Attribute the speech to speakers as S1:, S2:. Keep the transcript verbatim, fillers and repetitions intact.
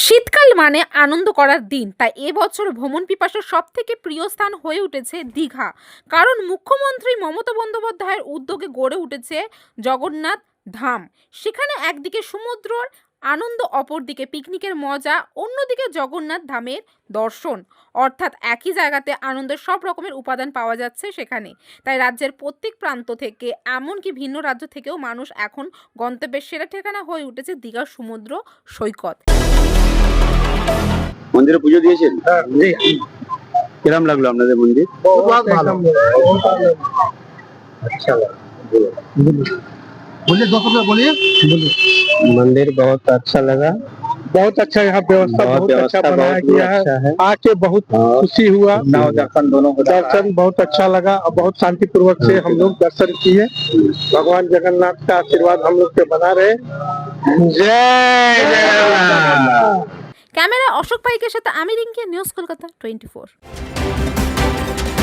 S1: শীতকাল মানে আনন্দ করার দিন, তাই এবছর ভ্রমণ পিপাসার সব থেকে প্রিয় স্থান হয়ে উঠেছে দীঘা। কারণ মুখ্যমন্ত্রী মমতা বন্দ্যোপাধ্যায়ের উদ্যোগে গড়ে উঠেছে জগন্নাথ ধাম। সেখানে একদিকে সমুদ্রর আনন্দ, অপরদিকে পিকনিকের মজা, অন্যদিকে জগন্নাথ ধামের দর্শন। অর্থাৎ একই জায়গাতে আনন্দের সব রকমের উপাদান পাওয়া যাচ্ছে সেখানে। তাই রাজ্যের প্রত্যেক প্রান্ত থেকে, এমনকি ভিন্ন রাজ্য থেকেও মানুষ এখন গন্তব্যের সেরা ঠিকানা হয়ে উঠেছে দীঘার সমুদ্র সৈকত।
S2: মন্দিরে পুজো দিয়েছেন? কিরম লাগলো আপনাদের মন্দির?
S3: बहुत भालो अच्छा लगा। बोलिए दो शब्द बोलिए। मंदिर बहुत अच्छा लगा, बहुत अच्छा यहाँ व्यवस्था बहुत अच्छा बनाया गया है। आके बहुत खुशी हुआ,
S2: दर्शन दोनों को
S3: दर्शन बहुत अच्छा लगा और बहुत शांति पूर्वक से हम लोग दर्शन किए। भगवान जगन्नाथ का आशीर्वाद हम लोग पे बना रहे। जय जगन्नाथ।
S1: ক্যামেরা অশোক পাইকের সাথে আমি Rinki, news Kolkata twenty four.